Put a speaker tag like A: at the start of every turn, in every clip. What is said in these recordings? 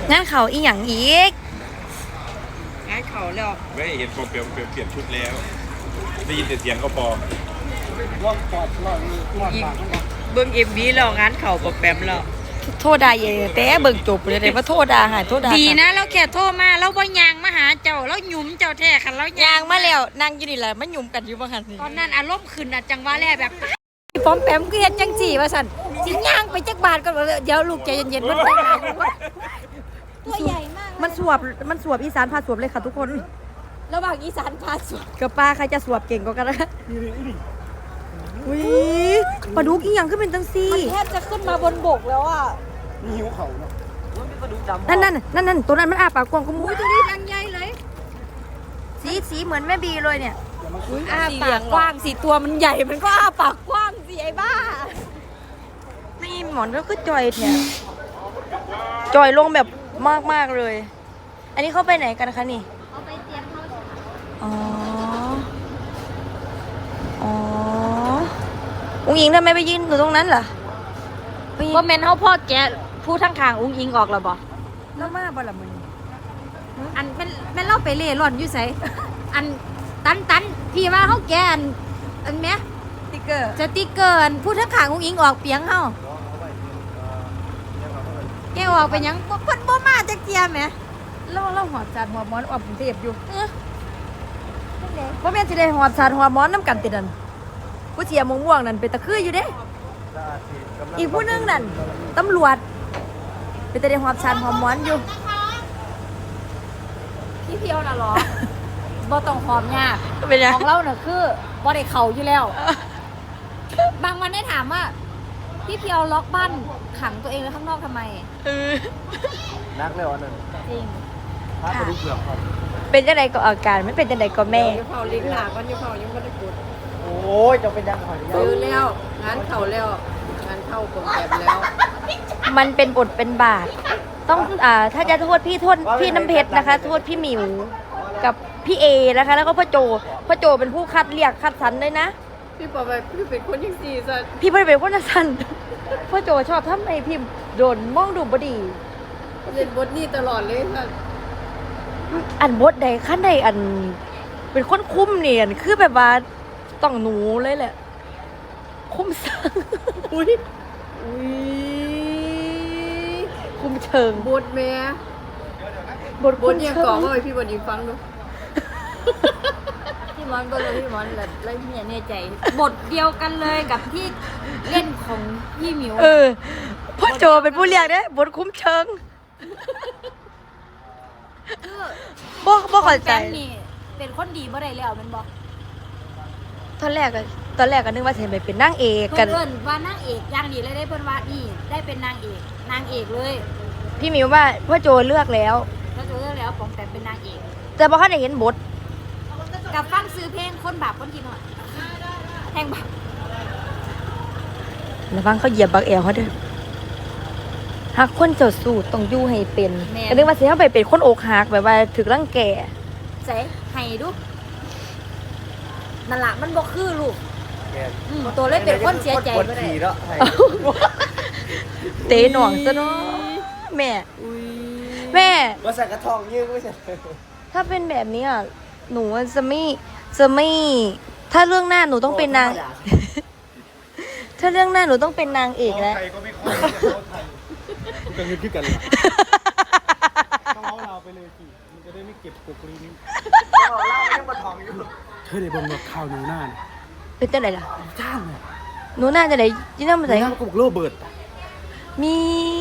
A: งั้นเขาอีหยังอีก
B: งานเขาแล้ว
C: ไม่เห็นโปรเปลี่ยนชุดแล้วได้ยินแต่เสียงก็พอ
B: เบิ่งMVแล้วงานเขาบ่แปมแล้ว
A: โทษดาเย่แต่เบิ่งจบเลยแต่ว่าโทษดาหายโทษดา
B: ดีนะเราแค่โทรมาเราบ่ยางมาหาเจ้าเราหยุมเจ้าแท้คันเรา
A: ยางมาแล้วนั่งอยู่นี่แหละมันหยุ่มกันอยู่บ่หัน
B: ตอนนั้นอารมณ์ขึ้นน่ะจังว่าแลแบบ
A: ปอมแปมคือเฮ็ดจังซี่ว่าซั่นสิย่างไปจักบาทก่อนเดี๋ยวลูกใจเย็นๆมันแต่งหน้าอยู่ตัวใหญ่มากมันสวบอีสานพาสวบเลยค่ะทุกคนระหว่างอีสานพาสวบกับป้าใครจะสวบเก่งกว่ากันนะอุ้ยปลาดุกอีหยังขึ้นเป็นจังซี่มันแทบจะขึ้นมาบนบกแล้วอ่ะ
C: นี่หิวเขาเนาะ
A: นั่นตัวนั้นมันอ้าปากกว้างก็มุ้ยตัวนี้ยังใหญ่เลยสีเหมือนแม่บีเลยเนี่ยอ้าปากกว้างสีตัวมันใหญ่มันก็อ้าปากกว้างสิไอ้บ้านี่หมอนก็คือจอยแถวจอยลงแบบมากเลยอันนี้เขาไปไหนกันคะนี่เขาไปเตรียมเข้าอ๋ออุ้งอิงทำไมไปยืนอยู่ตรงนั้นล่ะ
B: บ่แม่นเฮาพ่อแกผู้ทั้งข้างอุ้งอิงออกแล้วบ่
A: แล้วมาบ่ล่ะมึง
B: อันเป็นเล่าไปเล่ร่อนอยู่ไสอันตันพี่ว่าเฮาแกอันแม่
A: สติ๊กเก
B: อร์ผู้ทั้งข้างอุ้งอิงออกเปียงเฮาแกออกไปหยังเพิ่นบ่มาจักเที่ยแหม
A: เราหอบจานหัวม้อนออกกรุงเทพอยู่ว่าแม่สิได้หอบจานหัวม้อนน้ำกันติดนั่นผู้เสียม่วงนั่นเป็นตะคืออยู่เด้อีกผู้นึงนั่นตำรวจเป็นตะได้หอบจานหัวม้อนอยู่
B: พี่เพียวน่ะหรอบ่ต้องหอมยาก
A: เป็นยัง
B: ของเราน่ะคือบ่ได้เข้าอยู่แล้วบางวันได้ถามว่าพี่เพียวล็อกบ้านขังตัวเองไว้ข้างนอกทำไม
C: นักเลยวันนั้น
B: จริง
C: พาไปดูเปลือกครับ
A: เป็นจังไดก็อาการไม่เป็นจังไดก็แม่
B: อยู่เผาลิงหลาก่อนอยู่เผายังบ่ได้กด
C: โอ้ยจะเป็นยังไง
B: ซื้อแล้วงานเข้าแล้วงานเข้าโปรแกรมแล้ว
A: มันเป็นบทเป็นบาทต้องถ้าจะโทษพี่น้ำเพชรนะคะโทษพี่หมิวกับพี่เอนะคะแล้วก็พ่อโจเป็นผู้คัดเรียกคัดสรรเลยนะ
B: พี่บอกไปพี่เป็นคนยังสี่สัน
A: พี่ไม่เป็นคนสั้นพ่อโจชอบทำไอ้พิมพ์โดนมองดูบดี
B: เล่นบทนี้ตลอดเลยค่ะ
A: อันบทใดขั้นใดอันเป็นคนคุ้มเนียนคือแบบว่าต้องหนูเลยแหละคุ้มสังอุ้ยคุ้มเชิง
B: บทแม่บทยังก่อว่าพี่บทยิงฟังดูพี่มอนก็เลยพี่มอนแล้วพี่เนี่ยใจบทเดียวกันเลยกับที่เล่นของพี่หมิว
A: พ่อโจเป็นผู้เรียกเนี่ยบทคุ้มเชิงบ่เข้าใจ
B: นี่เป็นคนดีบ่ได้แล้วมันบอก
A: ตอนแรกก็นึกว่าจะไปเป็นนางเอก
B: กันเพิ่นว่านางเอกอย่างดีเลยได้เพิ่นว่านี่ได้เป็นนางเอกเลย
A: พี่หมิวว่าพ่อโจเลือกแล้ว
B: ปองแต่เป็นนางเอก
A: แต่พอเขาได้เห็นบท
B: กับฟังซื้อเพลงคนบาปคนกินหน่อยแทงบา
A: ประวังเขาเหยียบบักแอลเขาเด้อหากคนเจ้าสู้ต้องอยู่ให้เป็นก็นึกว่าสิเขาไปเป็นคนอกหักแบบว่าถึกรังแก
B: ใส่ให้ดูนั่นล่ะมันบ่คือลูกตัวเลยเป็นคนเสียใจบ่ได้
A: เตะหน่องซะเนาะแม่
C: ว่าใส่กระทองยืดไม่ใช่
A: ถ้าเป็นแบบนี้อ่ะหนูจะไม่ถ้าเรื่องหน้าหนูต้องเป็นนางถ้าเรื่องหน้าหนูต้องเป็นนางเอกแล้ว
C: ใครก็ไม่ค่อยกันยืดขึ้นกันต้องเอาเราไปเลยสิมันจะได้ไม่เก็บกบลิ้นเราไม่มาทองอยู่เธอได้บนแบบข้าวหนูหน้า
A: เป็นจังไหนล่ะ
C: จ้างอ่ะ
A: หนูหน้าจะไหนยิ่งน่ามาใส่
C: หน้าก็บอกโรเบิร์ต
A: มี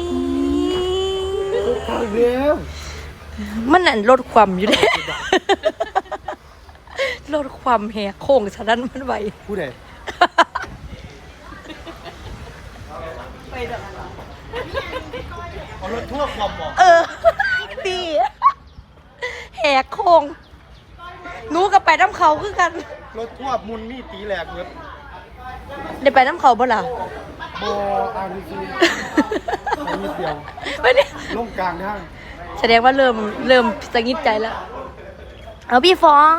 C: ข้าวเลี้ยว
A: มันนั่นลดความอยู่เลยลดความแหกโค้งฉะนั้นมันไหว
C: ผู้ใดเอารถทั่วความบอก
A: ดีแหกโค้งหนูกับไปน้ำเขาคือกัน
C: รถทั่วมุนนี่ตีแหลกเงิน
A: ได้ไปน้ำเขาบ่ล่ะ
C: บ่อาริซีนิดเดียวลงกลางทาง
A: แสดงว่าเริ่มสะกิดใจแล้วเอาพี่ฟอง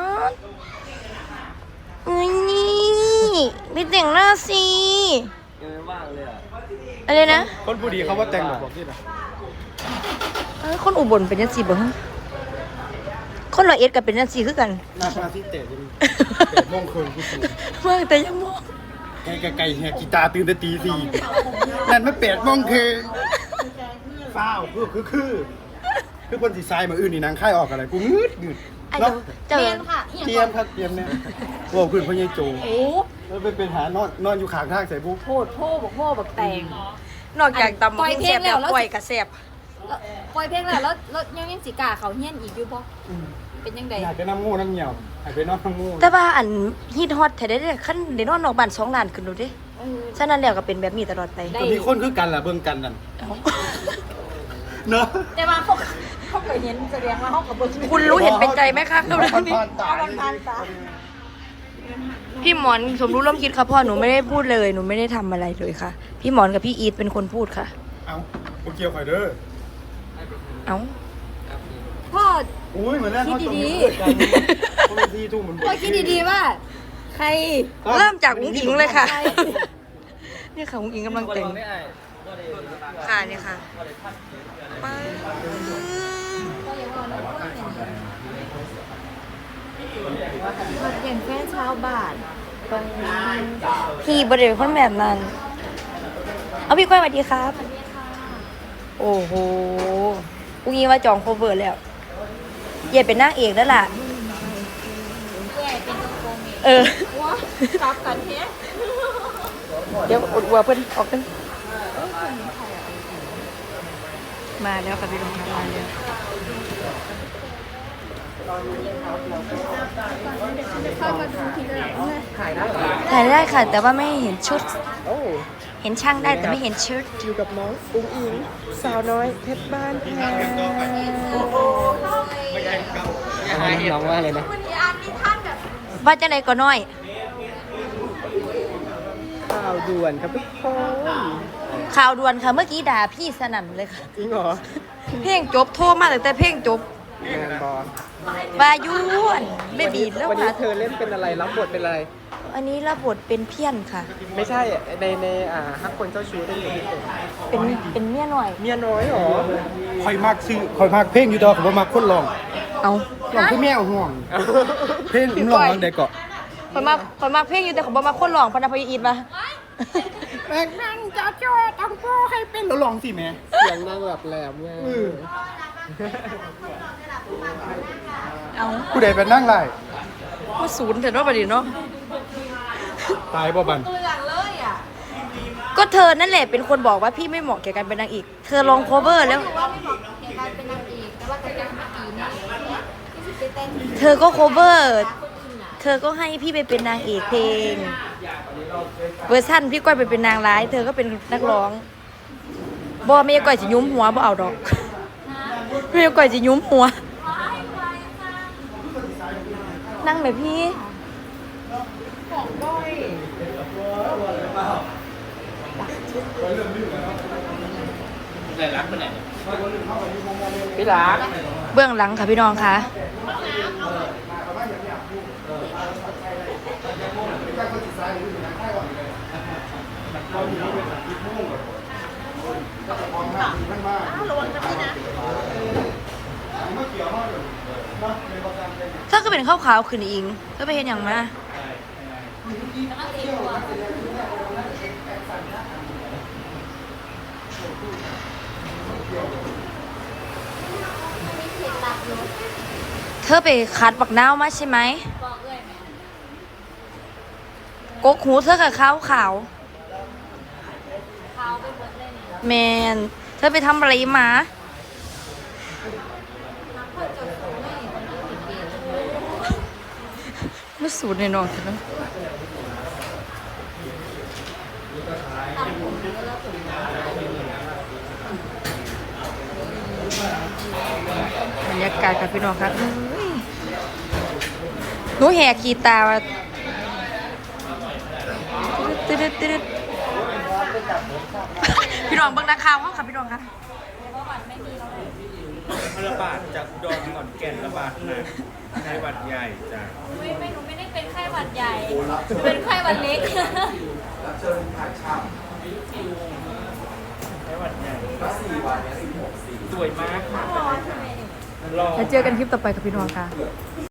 A: นี่พี่แต่งหน้าสิ
C: ยังไม่ว่างเลย
A: อะไรนะ
C: คนผู้ดีเขาว่าแต่งแบบบอกที่ไหน
A: คนอุบลเป็นจังซี่บ่ฮะคนร้อยเอ็ดก็เป็นจังซี่คือกัน
C: หน้าพาที่เตะจะมีเตะโมงคืนกูสู
A: เมื่อแต่ยังมอง
C: ไก่แหกกีตาร์ตื่นแต่ตีสี่นั่นไม่เป็ดโมงคืนฟ้าวคือคนสีทรายมาอื่นนี่นางค่ายออกอะไรกูงืดเนาะ
A: เจอ
B: เรียนค่ะ
C: เตรียมครับเตรียมเนี่ยโว้ขึ้นพ่อใหญ่โจ
B: โอ้
C: แล้วเป็นหานอนอยู่ข้างทางใส่บุ๊ก
B: โหดโพ่บอกโม่บอกแตง
A: นอกจากตำ
B: ปล่อยเพลงแล้ว
A: ปล่อยกระแสบ
B: ปล่อยเพลงแล้วยังสิกาเขาเฮี้ยนอีกอยู่บ่เป็นยังไง
C: อยากไปน้ำงูน้ำเหี่ยวอยากไปนอนน้ำงู
A: แต่ว่าอันฮิตฮอตแท้ได้ขั้นได้นอนนอกบ้าน2 ล้านขึ้นดูดิ
B: เออ
A: ฉะนั้นแล้วก็เป็นแบบนี้ตลอดไป
B: ได้
C: ก็มีคนคือกันล่ะเบิ่งกันนั่นเนาะ
B: แต่ว่าเขาเคยเห็นแสดงว่าเขากับเบิ้ง
A: คุณรู้เห็นเป็นใจไหมคะ
C: ผ่านตา
A: พี่หมอนสมรู้ร่วมคิดค่ะพ่อหนูไม่ได้พูดเลยหนูไม่ได้ทำอะไรเลยค่ะ พี่หมอนกับพี่อีทเป็นคนพูดค่ะ
C: เอาโอเกียวไข่เด้อ
A: เอ้า
B: พ่อ
C: อุ้ยเหมือนแรกเขาจม
B: คิดดี
C: คนละที่ทุ่มเหมือน
B: พ่อคิดดีๆว่า ใคร
A: เริ่มจากอุ้งอิงเลยค่ะ
B: ใคร
A: นี่ค่ะอุ้งอิงกำลังแต่งค่ะนี่ค่ะป๊าด
B: อย่างแฟนชาวบ้านตรงนี้
A: พี่บริเวณคนแบบนั้น เอาพี่ก้อยสวัสดีครับ โอ้โหอุ้งอิงว่าจองโคเวอร์แล้วเย่เป็นนางเอกแล้วล่ะ
B: แย่เป็นตรงโกงเอง
A: เออ
B: ว้าจับกันเฮ้
A: เดี๋ยวอดวัวเพิ่นออกกันมาแล้วค่ะพี่ลงมาแล้วถ่ายได้ค่ะ แต่ว่าไม่เห็นชุด เห็นช่างได้แต่ไม่เห็นชุด
C: อยู่กับน้องอุ้งอิงสาวน้อยเพชรบ้านแพงน้องว่าเลยนะ
A: ว่าจะไหนก็น้อย
C: ข่าวด่วนครับทุกคน
A: ข่าวด่วนค่ะเมื่อกี้ด่าพี่สนั่นเลยค่ะ
C: จริงเหรอ
A: เพลงจบโทรมาแต่เพลงจบ
C: งานบอล
A: วายุนไม่บีบแล้ว
C: วันนี้
A: ค่ะ
C: เธอเล่นเป็นอะไรรับบทเป็นอะไร
A: อันนี้รับบทเป็นเพี้ยนค่ะ
C: ไม่ใช่ในฮักคนเจ้าชู้ได้เลย
A: เป็นเมียหน่อย
C: เมียน้อยหรอคอยมากชื่อคอยมากเพลงอยู่ดอกผมมากคนร้อง
A: เอา
C: ร้องคือแม่ห่วง เพลงผมร้องเด็กเกาะ
A: คนมากเพลงอยู่แต่เขาบอกมาคนหลองพนักพยอีทมา
C: แม่นั่งจ้าจ้าทำพ่อให้เป็นแล้วร้องสิแม่เสียงนั่งแบบแหลมไง
A: เอา
C: ผู้ใดเป็นนั่งไร
A: ว่าศูนย์เถอะเนาะประเดี๋ยวเนาะ
C: ตายบ่บัน
A: ก็เธอนั่นแหละเป็นคนบอกว่าพี่ไม่เหมาะแก่การเป็นนางเอกเธอลองโคเวอร์แล้ว เธอก็โคเวอร์ เธอก็ให้พี่ไปเป็นนางเอกเพลง เวอร์ชันพี่ก้อยไปเป็นนางร้าย เธอก็เป็นนักร้องบ่ไม่ก้อยจะยุ้มหัวบ่เอาดอกไม่ก้อยจะยุ้มหัว นั่งไหมพี่พี่รักเบื้องหลังค่ะพี่น้องค่ะถ้าก็เป็นข้าวขาวขึ้นอิงก็ไปเห็นอย่างมาเธอไปคัดบักนาวมาใช่ไหมกกหูเธอกับขาวขาวแมนเธอไปทำอะไรมาไม่สูดในนอนเถอะนะบรรยากาศกับพี่น้องครับหนูแหกขีตาว่าตึ๊ดพี่น้องเบิ่งนักข่าวเขาค่ะพี่น้องค่ะ
D: ระบาดจากอุดรขอนแก่นระบาดหนักไข้หวัดใหญ่จ้ะ
B: ไม่หนูไม่ได้เป็นไข้หวัดใหญ่ เป็นไข้หวัดเล็ก
D: ไข้หวัดใหญ่สวยมากค่ะ
A: แล้วเจอกันคลิปต่อไปกับพี่น้องค่ะ